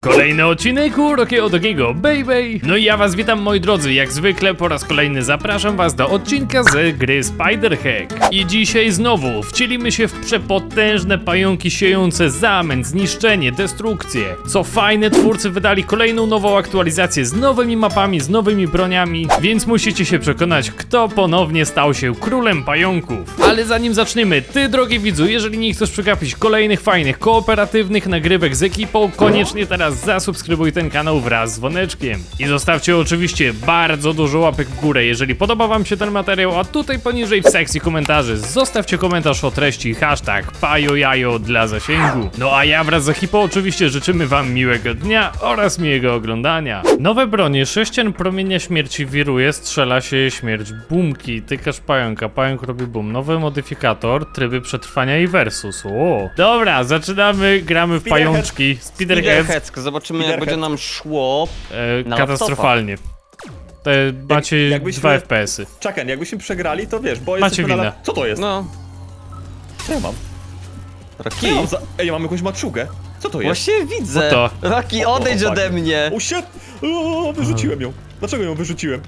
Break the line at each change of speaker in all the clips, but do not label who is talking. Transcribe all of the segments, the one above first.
Kolejny odcinek Urokiego Dogiego, baby! No i ja was witam, moi drodzy, jak zwykle po raz kolejny zapraszam was do odcinka z gry Spider-Hack. I dzisiaj znowu wcielimy się w przepotężne pająki siejące zamęt, zniszczenie, destrukcję. Co fajne, twórcy wydali kolejną nową aktualizację z nowymi mapami, z nowymi broniami, więc musicie się przekonać, kto ponownie stał się królem pająków. Ale zanim zaczniemy, ty drogi widzu, jeżeli nie chcesz przegapić kolejnych fajnych, kooperatywnych nagrywek z ekipą, koniecznie teraz zasubskrybuj ten kanał wraz z dzwoneczkiem. I zostawcie oczywiście bardzo dużo łapek w górę, jeżeli podoba wam się ten materiał, a tutaj poniżej w sekcji komentarzy zostawcie komentarz o treści hashtag pajojajo dla zasięgu. No a ja wraz z ekipą oczywiście życzymy wam miłego dnia oraz miłego oglądania. Nowe bronie, sześcian promienia śmierci wiruje, strzela się śmierć, bumki, tykasz pająka, pająk robi bum, nowy modyfikator, tryby przetrwania i versus. O. Dobra, zaczynamy, gramy w pajączki. Spiderhead.
Zobaczymy, jak będzie nam szło. Na
Katastrofalnie. Macie
jakbyśmy-
2 FPS-y.
Czekaj, jakbyśmy przegrali, to wiesz, bo
Macie
jesteśmy
winę.
Co to jest?
No,
Co ja mam?
Rocky.
Ej, ja mam jakąś maczugę. Co to jest?
Właśnie widzę.
No
Rocky, odejdź
fuck.
ode mnie.
O shit! O, wyrzuciłem ją. Dlaczego ją wyrzuciłem?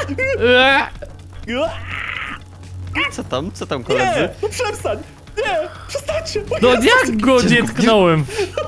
Co tam koledzy?
Nie! No przestań! Nie! Przestańcie! O
No
Jezus!
jak go nie tknąłem?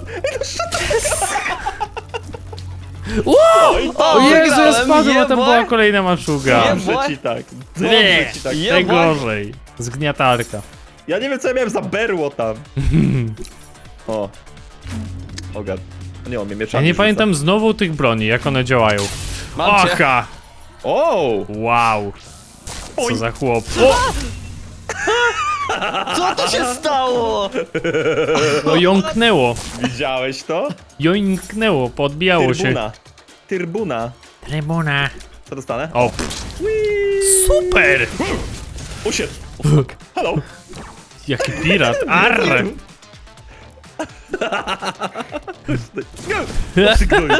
O Jezu, ja
wygrałem,
spadłem, a tam
jeboj.
była kolejna maczuga.
Jeboj.
Dobrze ci tak.
Nie,
Dobrze ci tak.
najgorzej. Zgniatarka.
Ja nie wiem, co ja miałem za berło tam. O. O god. Nie, on mnie
Ja
mieczami
nie
rzuca.
pamiętam znowu tych broni, jak one działają.
Mam cię.
Aha!
O!
Wow. Co
Oj.
za chłop.
Co tu się stało?
No jąknęło.
Widziałeś to?
Joinknęło, podbijało się.
Tyrbuna. Tyrbuna.
Trybuna.
Co dostanę?
O, super!
O shit! O fuck. Hello!
Jaki pirat. Arr!
Sygnuj.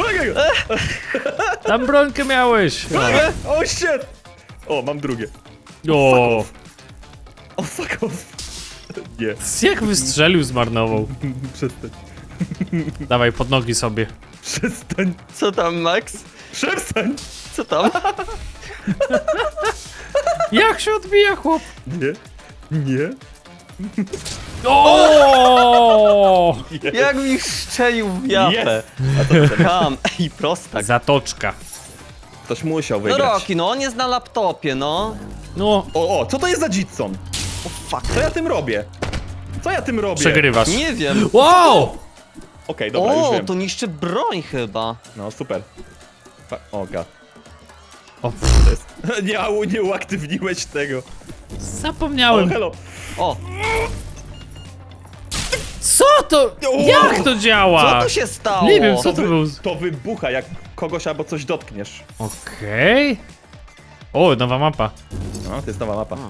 Tam brońkę miałeś.
O shit! O, mam drugie.
O,
O fuck off. Nie.
jak wystrzelił, zmarnował.
Przestań.
Dawaj, pod nogi sobie.
Przestań.
Co tam, Max?
Przestań.
Co tam?
Jak się odbija, chłop?
Nie. Nie.
O!
Jak mi szczelił w japę.
Jest. A to co?
Tam, ej, prostak.
Zatoczka.
Ktoś musiał
No
wygrać.
Rocky, no on jest na laptopie, no.
No,
O, co to jest za Jitson?
O fuck.
Co ja tym robię? Co ja tym robię?
przegrywasz.
Nie wiem.
Wow!
Okej, dobra, już
O,
wiem.
to niszczy broń chyba.
No, super. O god.
O,
To jest... nie uaktywniłeś tego. O,
zapomniałem.
hello.
O,
Co to? Jak to działa?
co tu się stało?
Nie wiem, co to był.
To wybucha, jak kogoś albo coś dotkniesz.
Okej. O, nowa mapa.
No, to jest nowa mapa.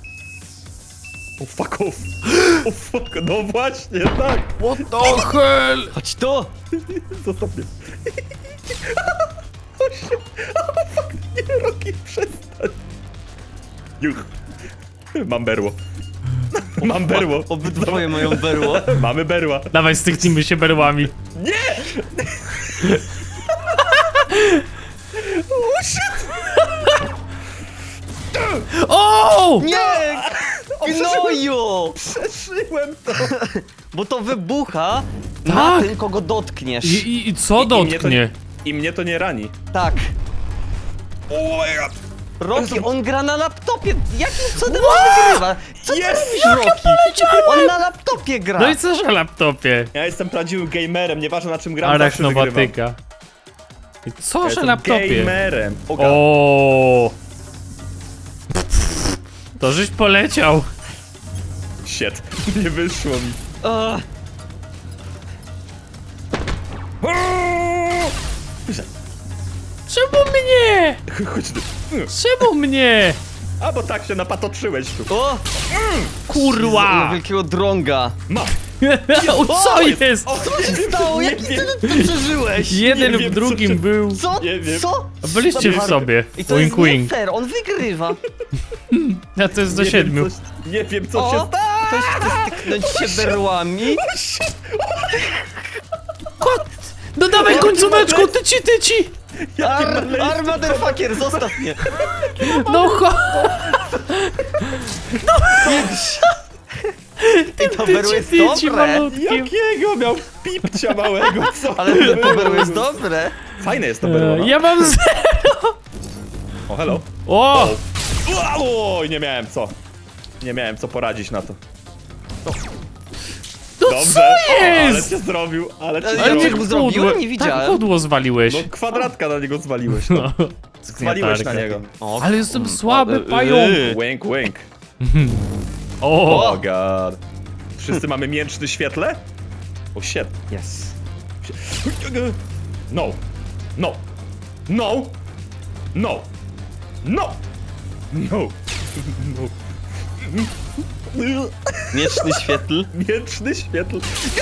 O fuck off. O fuck, no właśnie, tak.
What the hell?
Chodź tu.
Zostaw mnie. O się. O fuck, nie, Rocky, przestań. Juch. Mam berło. Mam berło.
Obydwoje mają berło.
Mamy berła.
Dawaj, styknijmy się berłami.
Nie! O shit!
O!
Nie! Gnoju!
Przeszyłem to.
Bo to wybucha
Tak.
na tym, kogo dotkniesz.
I co dotknie?
I mnie to nie rani.
Tak.
O my god.
Rocky, on gra na laptopie. Jakim cudem on wygrywa? Co ty
Jest!
robisz, Rocky? On na laptopie gra.
No i co, że laptopie?
Ja jestem prawdziwym gamerem, nieważne na czym gram, zawsze wygrywam.
Arachnowatyka. I co,
Ja
że
jestem
laptopie?
gamerem. O god.
O. To żeś poleciał.
Shit. Nie wyszło mi.
Ugh.
Czemu mnie?
Chodź tu.
Czemu mnie?
A bo tak się napatoczyłeś tu.
O!
Kurwa!
Wielkiego drąga.
Mam.
O, co jest?
O,
Co się stało? Jaki ty to przeżyłeś?
Jeden
nie
w
wiem,
drugim
co ty-
był.
Co?
Nie wiem.
Co?
Byliście w
Super.
sobie.
I to
Wink
jest nie
wink.
fair, on wygrywa.
A to jest do
Nie
7.
wiem, nie wiem co się
O! Ktoś chce styknąć się berłami.
No dawaj końcóweczką, tyci!
Motherfucker, zostaw mnie!
No cho...
To berło jest dobre!
malutki.
Jakiego miał pipcia małego, co?
Ale to berło jest dobre!
Fajne jest to berło, no.
Ja mam
O, hello.
O!
Oj, nie miałem co. Nie miałem co poradzić na to.
No
Dobrze.
co
Ale
jest?
cię zrobił, ale cię
Ale
zrobił.
niech mu zrobiłem? Nie widziałem.
Tak, pudło zwaliłeś.
No kwadratka na niego zwaliłeś. No. Zwaliłeś na niego.
O,
Ale jestem słaby pająk.
Wink, wink.
O!
Oh god. Wszyscy mamy mięczny świetle? Oh shit.
Yes.
No. No. No. No. No. No. No.
Mieczny świetl.
Mięczny świetle.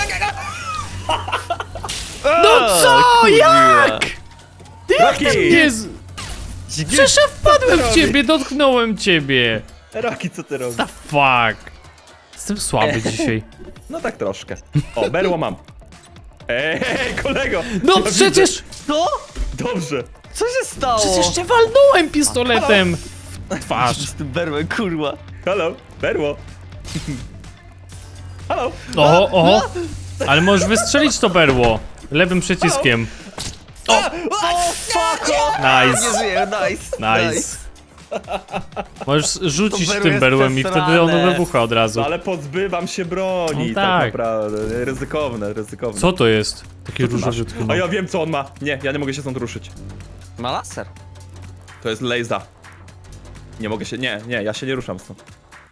No co? Jak?
Rocky!
Jezu! Przecież ja wpadłem w ciebie, dotknąłem ciebie.
Rocky, co ty robisz?
The fuck? Jestem słaby dzisiaj.
No tak troszkę. O, berło mam. Ej, kolego!
No
Ja
przecież...
Co?
widzę. Dobrze.
Co się stało?
Przecież cię walnąłem pistoletem w twarz.
Z tym berłem, kurwa.
Halo, berło. Halo.
Oho. Ale możesz wystrzelić to berło. Lewym przyciskiem.
O, fuck off! Nie
Nice.
żyję, nice.
Możesz rzucić
To berło
tym
jest
berłem i wtedy ono
przesrane.
wybucha od razu.
No ale pozbywam się broni,
No
tak.
tak.
Naprawdę. Ryzykowne, ryzykowne.
Co to jest? Takie
Ty masz?
różowiutkie.
A ja wiem co on ma. Nie, ja nie mogę się stąd ruszyć.
Ma laser.
To jest Lejza. Nie mogę się, nie, ja się nie ruszam stąd.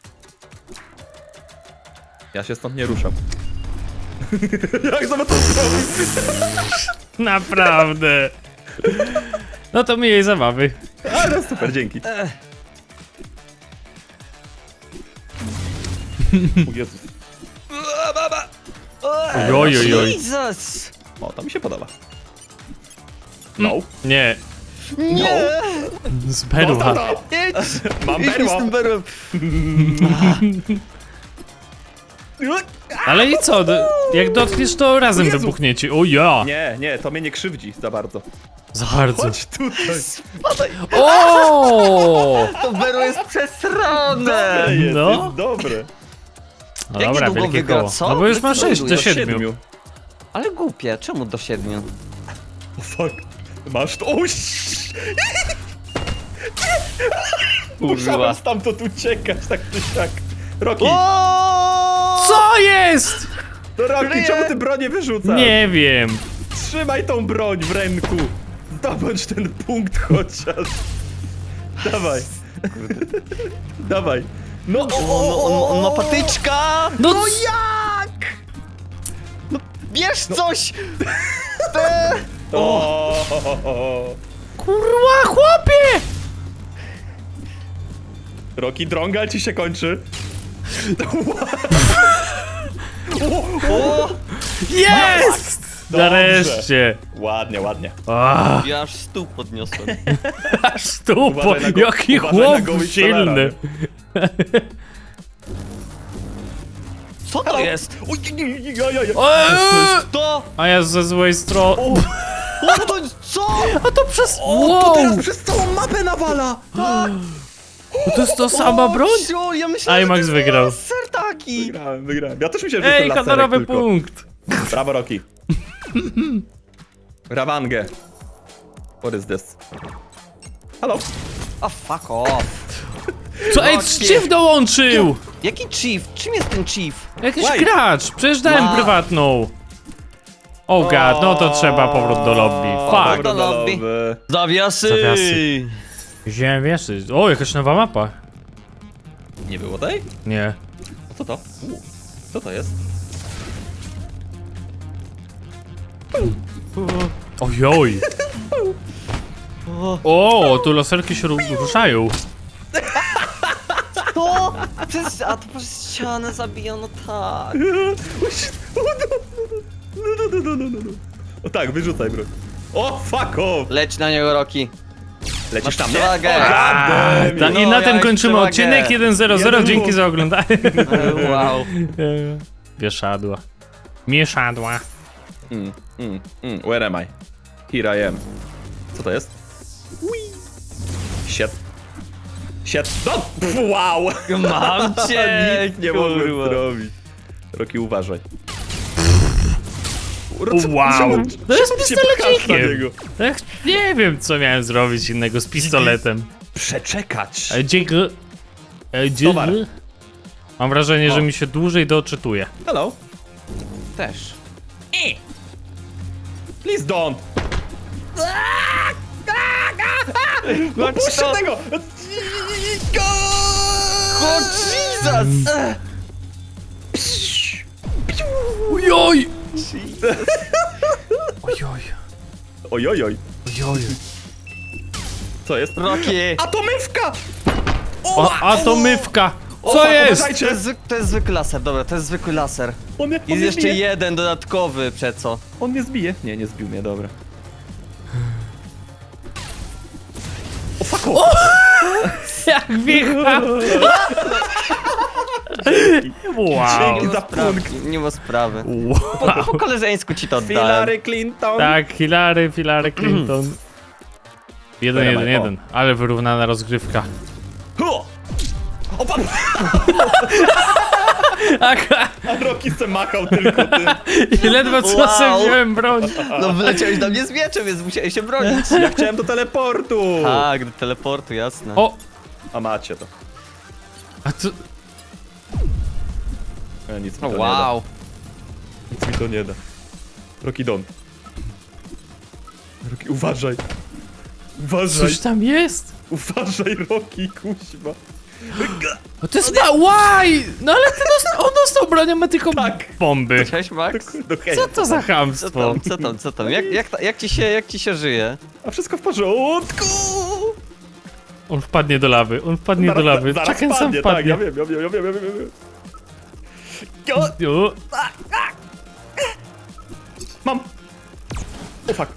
Ja się stąd nie ruszam. Jak to zrobić?
Naprawdę. No to miłej zabawy.
Ale super, dzięki. O Jezus.
Ojojoj.
Jesus!
O, to mi się podoba. No.
Nie.
Nie!
Z berła.
Idź!
Mam
Idź mi
berło.
z tym berłem.
Ale i co? Jak dotkniesz, to razem
Jezu.
wybuchniecie. O ja!
Nie, to mnie nie krzywdzi za bardzo.
Za bardzo.
Chodź tutaj.
Spadaj.
O!
To berło jest przesrane!
Jest,
No.
jest dobre.
No
Jak
dobra,
niedługo
wielkie
wygra,
koło.
co?
No bo już ma 6 do
Do
7.
Ale głupie, czemu do 7?
O fuck. Masz to. O, Musiałem stamtąd uciekać, tak czy siak. Rocky,
Co jest?
no Rocky, czemu ty bronię wyrzucasz?
Nie wiem.
Trzymaj tą broń w ręku. Zdobądź ten punkt chociaż. Dawaj. Dawaj. No,
On ma patyczka!
No
jak? No bierz coś!
O.
kurwa, chłopie!
Rocky, drąga ci się kończy.
O!
Jest!
Dobrze.
Nareszcie.
Ładnie, ładnie.
Ah,
Ja aż stół podniosłem.
aż stupo,
Uważaj na
jaki
uważaj na
chłop
goły
silny.
Co to jest?
Oj,
To!
A ja ze złej strony.
O, to co?
A to przez...
O,
Wow!
to teraz przez całą mapę nawala!
To jest to sama broń?
Ciu, ja myślałem,
IMAX
że to
wygrał.
jest sertaki!
Wygrałem. Ja też myślałem, że
Ej,
to laserek
honorowy
tylko.
punkt.
Brawo, Rocky. Rawangę. What is this? Halo?
A fuck off.
Co? Ej,
Rocky.
Chief dołączył!
Jaki chief? Czym jest ten chief?
Jakiś
Why?
gracz, przecież dałem
Ma-
prywatną. Oh god, no to trzeba powrót do lobby.
Dobra,
Fuck.
do lobby.
lobby.
Zawiasy!
Zawiasy. Ziemiasy. O, jakaś nowa mapa.
Nie było tej?
Nie.
Co to? Co to jest?
Ojoj. O, tu laserki się ruszają.
To! A to przez ścianę zabijano, tak.
O tak, wyrzucaj broń. O, fuck off!
Leć na niego, Rocky.
Lecisz
Masz
tam, nie?
przewagę.
O, goddammit.
I
No,
na
ja
tym
już
kończymy
przewagę.
odcinek 1.00.
Jeden
Dzięki
punkt.
za oglądanie.
Wow.
Wieszadła. Mieszadła.
Where am I? Here I am. Co to jest? Shit. Shit. No! Wow!
Mam cię,
Nic nie mogłem
kurwa.
zrobić. Roki, uważaj.
Wow. To jest
Czemu się pchasz na
pistolecikiem.
niego?
Tak, nie wiem, co miałem zrobić innego z pistoletem.
Przeczekać.
Dziękuję.
Towar.
Mam wrażenie,
O.
że mi się dłużej doczytuje.
Hello.
Też.
Please don't. No
Chodź
puść
to.
tego!
O, Jesus!
Ojoj! Ojoj.
Ojojoj.
Ojoj.
Co jest?
Rocky!
Atomywka!
O, atomywka!
O,
Co
fuck,
jest?
uważajcie.
To jest zwykły laser, dobra, to jest zwykły laser.
On
Jest
mnie
jeszcze
zbije.
jeden dodatkowy, przeco.
On mnie zbije. Nie, nie zbił mnie, dobra. O fuck off!
Jak wiecha! Wow.
Dzięki za punkt.
Nie ma sprawy.
Wow.
Po koleżeńsku ci to oddałem.
Hillary Clinton.
Tak, Hillary Clinton. 1-1-1, ale wyrównana rozgrywka.
Hu! O pan!
Aha,
A Rocky se machał tylko tym.
i ledwo co
Wow.
sobie wziąłem broń.
No wyleciałeś na mnie z mieczem, więc musiałeś się bronić.
Ja chciałem do teleportu.
Tak, do teleportu, jasne.
O,
A macie to.
a co?
Nic mi
O,
to
wow.
nie da. Nic mi to nie da. Rocky don't. Rocky, uważaj. Uważaj.
Coś tam jest?
Uważaj, Rocky, kuźwa.
O, to jest Why? No ale on dostał bronią, ma tylko
Tak.
bomby.
Cześć, Max.
No hej.
Co to za
Co
chamstwo?
tam, co tam? Jak ci się żyje?
A wszystko w porządku.
On wpadnie do lawy, on wpadnie do lawy.
Zaraz
Czekaj, sam
spadnie, tak, ja
wpadnie.
wiem.
O,
Mam. O fuck.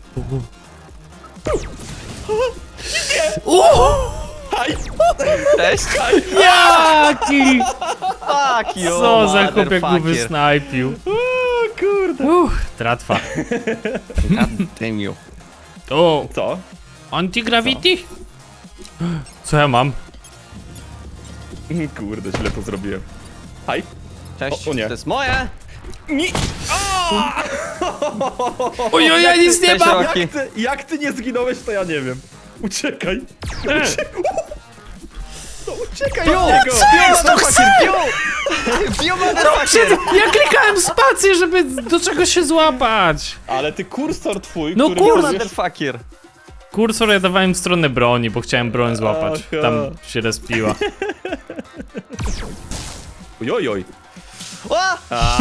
Haj.
Cześć.
Jaki!
Fuck you,
Co za chłop, jak go
motherfucker.
wysnajpił.
O kurde.
Tratwa.
God damn you.
O,
Co?
anti-gravity? Co ja mam?
Kurde, źle to zrobiłem. Haj.
Cześć.
O nie.
To jest moje.
Nie.
Ojoj, ja nic nie
Cześć,
mam!
Rocky.
Jak ty nie zginąłeś, to ja nie wiem. Uciekaj. No uciekaj od niego.
Piu, motherfucker, piu, motherfucker.
Ja klikałem spację, żeby do czegoś się złapać.
Ale ty kursor twój,
No
który...
Piu,
kurde.
motherfucker.
Kursor ja dawałem w stronę broni, bo chciałem broń złapać.
Aha.
Tam się respiła.
Ojojoj.
O!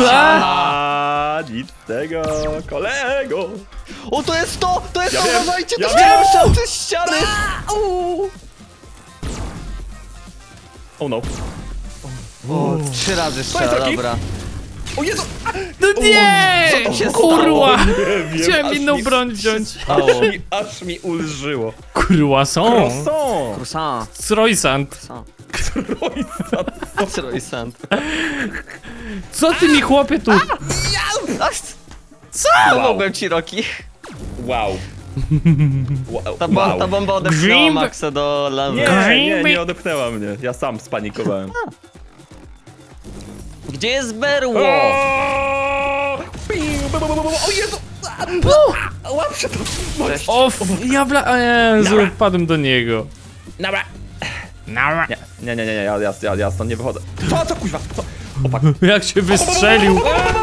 Nic z tego, kolego.
O, to jest to! To jest
Ja
to!
wiem,
Uważajcie,
ja
to
wiem.
się przez ściany!
Oh no.
O, 3 razy strzela,
Rocky.
dobra.
O Jezu!
No nie!
Co się
Kurwa!
Nie wiem,
Chciałem
aż
inną
mi-
broń wziąć.
Aż mi ulżyło.
Kurwa są!
Croissant!
Croissant.
Croissant.
Croissant.
Croissant.
Co ty mi chłopie tu?
Co? Pomogłem ci, Rocky.
Wow. Wow.
Ta bomba odepchnęła
Grimp.
Maxa do lawy.
Nie odepchnęła mnie. Ja sam spanikowałem.
Gdzie jest berło?
O Jezu! Łap się to!
Cześć.
O, ja o Jezu,
Nara.
wpadłem do niego.
Dobra.
Nara.
Nie, ja stąd nie wychodzę. Co kuźwa? Co? Opak.
Jak się wystrzelił.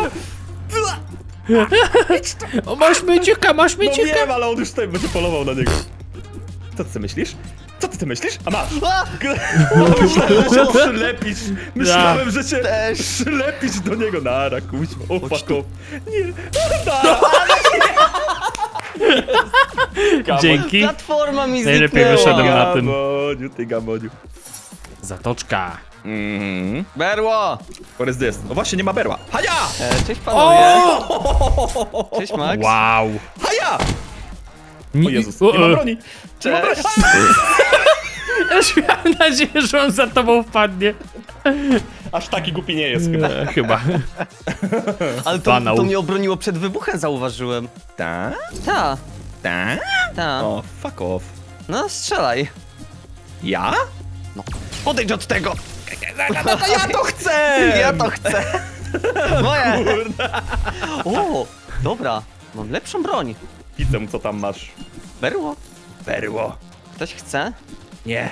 O, masz myciuka, masz
No
myciuka.
wiem, ale on już tutaj będzie polował na niego. Co ty myślisz? Co ty myślisz? A masz!
A!
Myślałem, że się przylepisz! Myślałem, że się
Też.
przylepisz do niego! Nara, kuźwa, o fuck off. Nie, nara!
Dzięki.
Platforma mi
Najlepiej
zniknęła.
wyszedłem na tym.
Gamoniu, ty gamoniu.
Zatoczka.
Berło!
What is this? No właśnie, nie ma berła. Haja!
Cześć panowie. Cześć Max.
Wow.
Haja! O
Nie,
Jezus, nie mam broni!
Cześć.
Już miałem nadzieję, że on za tobą wpadnie.
Aż taki głupi nie jest chyba.
Chyba.
Ale to,
Banał.
to mnie obroniło przed wybuchem, zauważyłem.
Ta?
Ta,
Ta?
ta.
O, fuck off.
No, strzelaj.
Ja?
Odejdź od tego!
No to ja to chcę!
Ja to chcę! Moje!
Kurde.
O, dobra. Mam lepszą broń.
Widzę, co tam masz.
Berło.
Perło.
Ktoś chce?
Nie.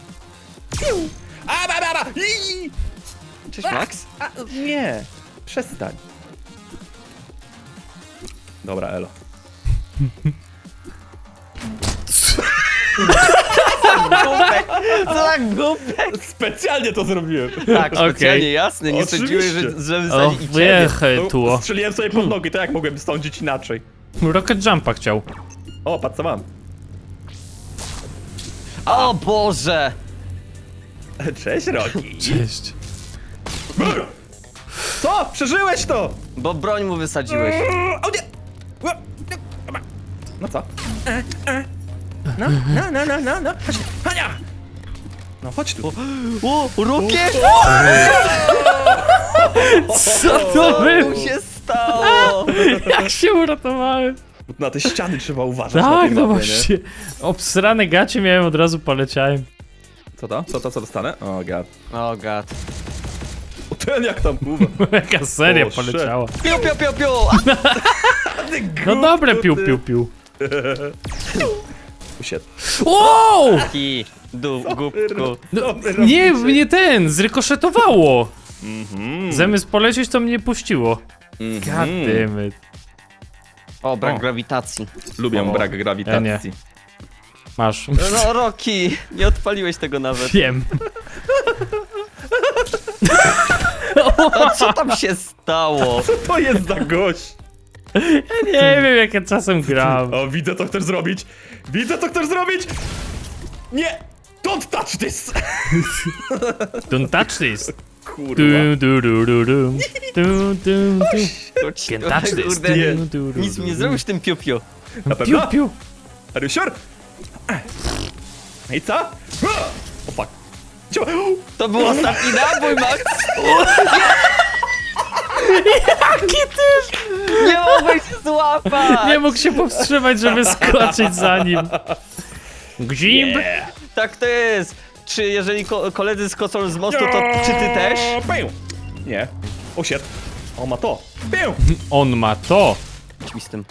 A, ba, ba, ba.
Cześć, Max.
Nie. Przestań. Dobra, elo.
Głupek! Co za głupek!
Specjalnie to zrobiłem.
Tak, specjalnie,
Okej.
jasne. Nie sądziłeś,
Oczywiście.
żeby
O,
zadzić ciebie.
wychytło.
Strzeliłem sobie pod nogi, to jak mogłem sądzić inaczej?
Rocket Jumpa chciał.
O, patrz co mam.
O Boże!
Cześć, Rocky.
Cześć.
Co? Przeżyłeś to?
Bo broń mu wysadziłeś.
O nie! No co? No. Chodź, Hania! No chodź tu.
O, rukie!
Co to
Co
było?
mu się stało?
Jak się uratowałem?
Na te ściany trzeba uważać. na
Tak,
tej
no
mapie,
właśnie. Obsrane gacie miałem, od razu poleciałem.
Nie? Co to? Co dostanę? O god.
O god.
O, ten jak tam pływa.
Jaka seria
O, shit.
poleciała.
Piu, piu, piu, piu!
No dobre, piu.
Usiadł.
Wow!
Taki głupku.
No, nie, mnie ten, zrykoszetowało.
Mhm.
Zamiast polecieć, to mnie puściło. God damn it.
O, brak
O.
grawitacji.
Lubię
O,
brak
ja
grawitacji.
Masz.
No, Rocky, nie odpaliłeś tego nawet.
Wiem.
A co tam się stało?
Co to jest za gość?
Nie wiem, jak ja czasem gram.
O, widzę co chcesz zrobić. Widzę co chcesz zrobić. Nie! Don't touch this!
Don't touch this.
Kurwa.
Can't touch this.
Kurde,
Nie.
nic mi nie zrobisz tym piu, piu.
Na pewno?
Piu.
Are you sure? I co? O fuck. Cio-
To był ostatni nabój, Max!
Jaki ty?
Nie mogłeś się złapać!
Nie mógł się powstrzymać, żeby skoczyć za nim. Gzimb.
Tak to jest! Czy jeżeli koledzy skoczą z mostu, to czy ty też?
Pię. Nie. O shit. On ma to. Pię.
On ma to.
Idź mi z tym.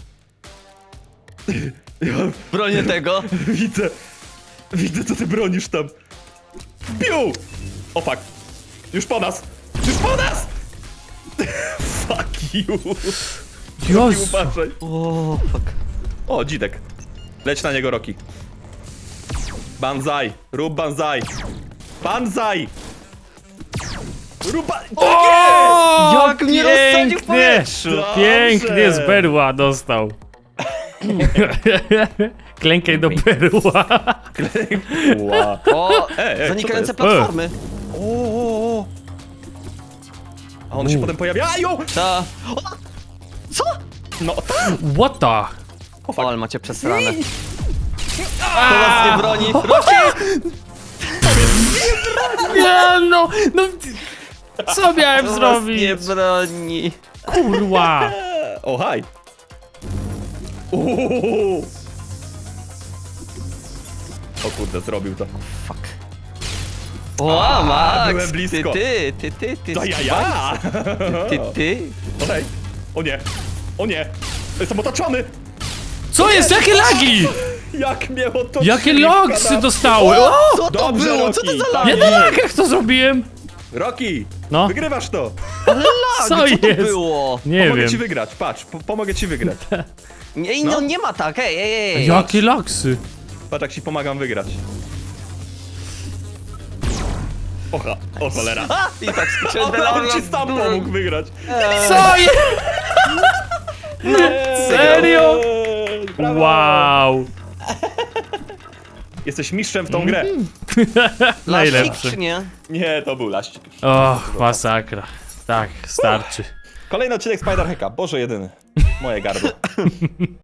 Bronię tego.
Widzę. Widzę co ty bronisz tam. Piu. O fuck. Już po nas. Już po nas. Fuck you.
Jezu.
Uważaj.
O, fuck.
O, dzidek. Leć na niego, Rocky. Banzai. Rób banzai. Banzai. Rób ba...
O,
Jak mnie rozsadził w powietrzu.
Dobrze.
Pięknie z berła dostał. Klękaj do berła.
Ła.
O,
co
zanikające
to
jest?
platformy.
O. A one się potem pojawiają.
Ta. O, co?
No tak.
What the?
O, ale macie przesrane. To was nie broni. Rocky!
Nie no, co miałem
To was
zrobić?
nie broni.
Kurwa.
O, haj. Uuu. O kurde, zrobił to.
Fuck. O, Max!
byłem blisko.
Ty.
To ja.
Ty.
Okej. O nie. O nie. Jestem otoczony.
Co jest? Jakie lagi?
Jak mnie otoczyli.
Jakie logsy
Kanapy.
dostały? O!
Co to
Dobrze,
było? Co to
Rocky.
za lag?
Ja na lagach to zrobiłem.
Rocky.
No.
Wygrywasz to.
Co
Co to
jest?
było?
Nie
Pomogę ci
wiem.
wygrać. Patrz, pomogę ci wygrać.
Nie,
No.
no nie ma tak, ej.
Jakie logsy?
Patrz jak ci pomagam wygrać. Oha, o cholera.
A! I tak skoczyłem do
On ci sam pomógł wygrać.
Co jest? Serio?
Brawo.
Wow.
Jesteś mistrzem w tą grę.
Najlepszy.
Czy nie?
Nie, to był laścik.
Och, masakra. Tak, starczy.
Kolejny odcinek Spider Hacka. Boże jedyny. Moje gardło.